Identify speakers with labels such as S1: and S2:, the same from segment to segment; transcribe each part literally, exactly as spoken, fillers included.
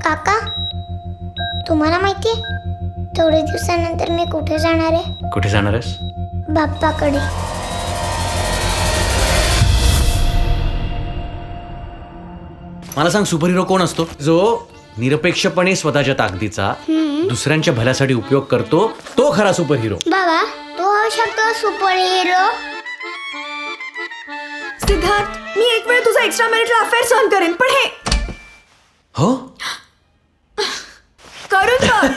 S1: काका, तुम्हाला माहितीये थोडे दिवसानंतर मी कुठे जाणार आहे?
S2: कुठे जाणार आहेस?
S1: बाप्पाकडे.
S2: मला सांग, सुपर हिरो कोण असतो? जो निरपेक्षपणे स्वतःच्या ताकदीचा दुसऱ्यांच्या भल्यासाठी उपयोग करतो, तो खरा सुपर हिरो.
S1: बाबा, तो होऊ शकतो सुपर हिरो?
S3: सिद्धार्थ, मी एक वेळ तुझा एक्स्ट्रा मॅरिटल अफेअर सहन करेन, पण हे
S2: हो
S3: करून बघ.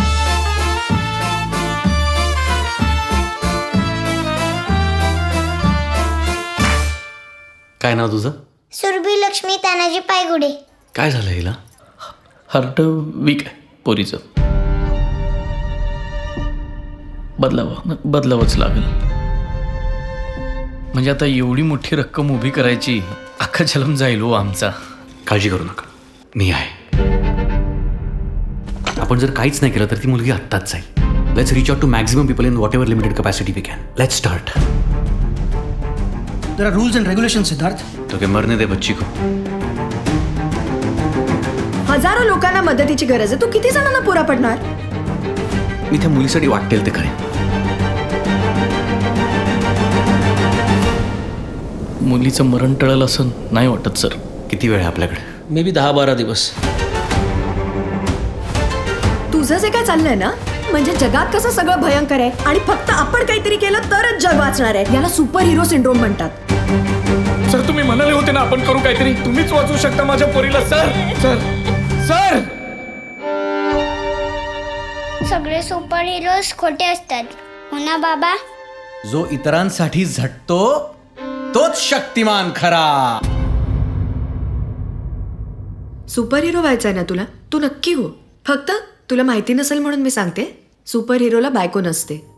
S2: काय नाव तुझं?
S1: सुरभी लक्ष्मी तानाजी पायगुडे.
S2: काय झालं हिला?
S4: हार्ट वीक आहे पोरीचं. बदलावं बदलावंच लागेल. म्हणजे आता एवढी मोठी रक्कम उभी करायची, अख्खा जन्म जाईल हो आमचा.
S2: काळजी करू नका, मी आहे. आपण जर काहीच नाही केलं तर ती मुलगी आत्ताच जाईल. Let's reach out to maximum people in whatever limited capacity we can. Let's start.
S5: There are rules and regulations, Siddharth.
S2: तो के मरने दे बच्ची को.
S3: हजारो लोकांना मदतीची गरज आहे, तू किती जणांना पुरा पडणार?
S2: मी त्या मुलीसाठी वाटेल ते करेन.
S4: मुलीचं मरण टळल असं नाही वाटत सर.
S2: किती वेळ आहे आपल्याकडे?
S5: मे बी दहा बारा दिवस.
S3: तुझं जे काय चाललंय ना, म्हणजे जगात कसं सगळं भयंकर आहे आणि फक्त आपण काहीतरी केलं तरच जग वाचणार आहे, याला सुपर हिरो सिंड्रोम म्हणतात.
S4: सर तुम्ही म्हणाले होते ना आपण करू काहीतरी. तुम्हीच वाचू शकता माझ्या पोरीला सर. सर सर
S1: सगळे सुपर हिरोज खोटे असतात, हो ना बाबा?
S2: जो इतरांसाठी झटतो तोच शक्तिमान खरा.
S3: सुपर हिरो व्हायचंय ना तुला? तू नक्की हो. फक्त तुला माहिती नसेल म्हणून मी सांगते, सुपर हिरोला बायको नसते.